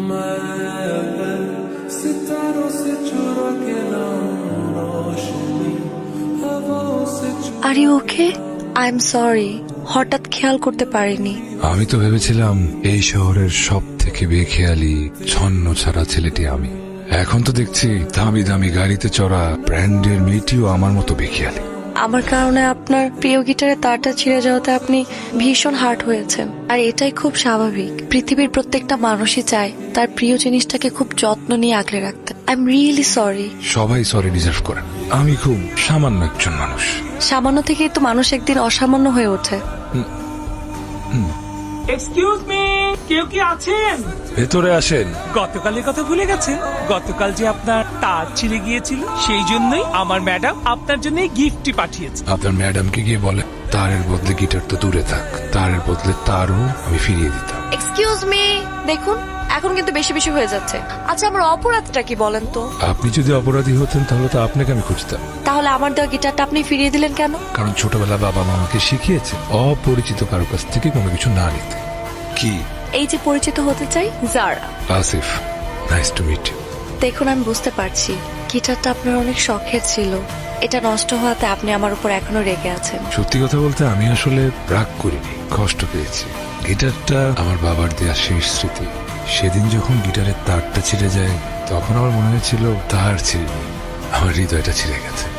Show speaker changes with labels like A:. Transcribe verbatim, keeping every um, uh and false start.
A: R you okay? I am sorry, হঠাৎ খেয়াল করতে পারিনি।
B: আমি তো ভেবেছিলাম এই শহরের সব থেকে বেখেয়ালি ছন্ন ছাড়া ছেলেটি আমি। এখন তো দেখছি দামি দামি গাড়িতে চড়া ব্র্যান্ডের মেয়েটিও আমার মতো বেখেয়ালি।
A: আমার কারণে আপনার প্রিয় গিটারের তারটা ছিঁড়ে যাওয়াতে আপনি ভীষণ হার্ট হয়েছেন, আর এটাই খুব স্বাভাবিক। পৃথিবীর প্রত্যেকটা মানুষই চায় তার প্রিয় জিনিসটাকে খুব যত্ন নিয়ে আগলে রাখতে। I am really sorry.
B: সবাই সরি ডিজার্ভ করেন, আমি খুব সামান্য একজন মানুষ।
A: সামান্য থেকেই তো মানুষ একদিন অসামান্য হয়ে ওঠে।
C: এক্সকিউজ মি, কেউ কি আছেন?
B: ভেতরে আসেন।
C: গতকালের কথা ভুলে গেছেন? গতকাল যে আপনার তার ছিঁড়ে গিয়েছিল, সেই জন্যই আমার ম্যাডাম আপনার জন্য গিফটটি পাঠিয়েছে।
B: আপনার ম্যাডামকে গিয়ে বলে তারের বদলে গিটার তো দূরে থাক, তারের বদলে তারও আমি ফিরিয়ে দিতাম।
A: এক্সকিউজ মি, দেখুন এখন কিন্তু বেশি বেশি হয়ে যাচ্ছে। আচ্ছা, আমার অপরাধটা কি বলেন তো?
B: আপনি যদি অপরাধী হতেন তাহলে তো আপনাকে আমি খুঁজতাম।
A: তাহলে আমার দেওয়া গিটারটা আপনি ফিরিয়ে দিলেন কেন?
B: কারণ ছোটবেলা বাবা মা আমাকে শিখিয়েছে অপরিচিত কারো কাছ থেকে কোনো কিছু না নিতে। কি?
A: এই যে পরিচিত হতে চাই, Zara.
B: Asif, nice to meet you.
A: দেখুন, আমি বুঝতে পারছি গিটারটা আপনার অনেক শখের ছিল। এটা নষ্ট হওয়াতে আপনি আমার উপর এখনো রেগে আছেন।
B: সত্যি কথা বলতে আমি আসলে রাগ করিনি, কষ্ট পেয়েছি। গিটারটা আমার বাবার দেয়া শেষ স্মৃতি। সেদিন যখন গিটারের তারটা ছিঁড়ে যায় তখন আমার মনে হয়েছিল তার ছিঁড়ে আমার হৃদয়টা ছিঁড়ে গেছে।